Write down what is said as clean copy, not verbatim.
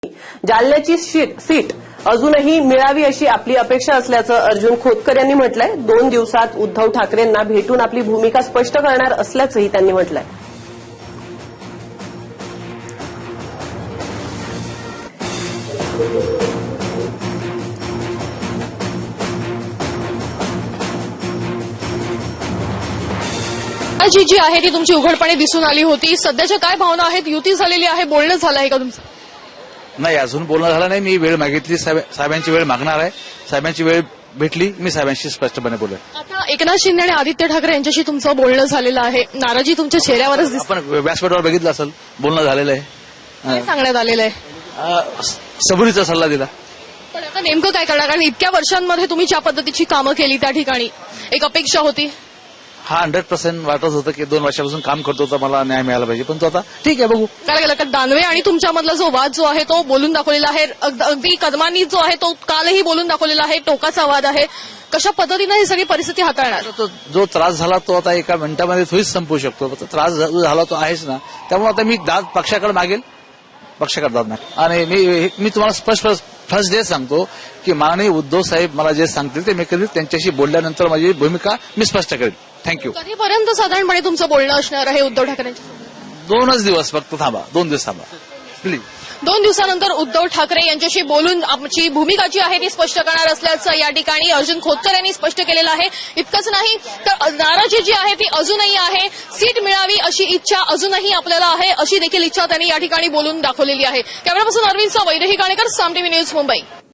जालन्याची seat अजूनही मिळावी अशी आपली अपेक्षा असल्याचं अर्जुन खोतकर यांनी म्हटलंय। 2 दिवसात उद्धव ठाकरेंना भेटून आपली भूमिका स्पष्ट करणार असल्याचंही त्यांनी म्हटलंय। जी आहे ती तुमची उघडपणे दिसून आली होती। सध्याच्या काय भावना आहेत? युती झालेली आहे, बोलणं झालं आहे का तुमचं? नाही, अजून बोलणं झालं नाही। मी वेळ मागितली, साहेबांची वेळ मागणार आहे। साहेबांची वेळ भेटली, मी साहेबांशी स्पष्टपणे बोलेन। आता एकनाथ शिंदे आणि आदित्य ठाकरे यांच्याशी तुमचं बोलणं झालेलं आहे, नाराजी तुमच्या चेहऱ्यावरच दिसते। आपण व्यासपीठावर बघितलं असेल, बोलणं झालेलं आहे। काय सांगण्यात आलेलं आहे? सबुरीचा सल्ला दिला। पण आता नेमकं काय करणार? कारण इतक्या वर्षांमध्ये तुम्ही ज्या पद्धतीची कामं केली त्या ठिकाणी एक अपेक्षा होती। हा 100% वाटत होतं की 2 वर्षापासून काम करतो तर मला न्याय मिळाला पाहिजे, पण तो आता ठीक आहे, बघू काय केलं? दानवे आणि तुमच्यामधला जो वाद जो आहे तो बोलून दाखवलेला आहे। अगदी कदमांनी जो आहे तो कालही बोलून दाखवलेला आहे, टोकाचा वाद आहे। कशा पद्धतीने ही सगळी परिस्थिती हाताळणार? जो त्रास झाला तो आता एका मिनिटामध्ये थोडीच संपवू शकतो। त्रास झाला तो आहेच ना, त्यामुळे आता मी दाद पक्षाकडे मागेल, पक्षाकडे दाद मागेल। आणि मी तुम्हाला स्पष्ट फर्स्ट डे सांगतो की माननीय उद्धव साहेब मला जे सांगतील ते मी करेल। त्यांच्याशी बोलल्यानंतर माझी भूमिका मी स्पष्ट करेल। थँक्यू। कधीपर्यंत साधारणपणे तुमचं बोलणं असणार आहे उद्धव ठाकरेंच्या? 2 दिवस फक्त थांबा, 2 दिवस थांबा प्लीज। 2 दिवसानंतर उद्धव ठाकरे यांच्याशी बोलून आमची भूमिका जी आहे ती स्पष्ट करणार असल्याचं या ठिकाणी अर्जुन खोतकर यांनी स्पष्ट केलेलं आहे। इतकंच नाही तर नाराजी जी आहे ती अजूनही आहे, सीट मिळावी अशी इच्छा अजूनही आपल्याला आहे, अशी देखील इच्छा त्यांनी या ठिकाणी बोलून दाखवलेली आहे। Cameraperson Arvind Vaidehi Ganekar, Saam TV news, Mumbai.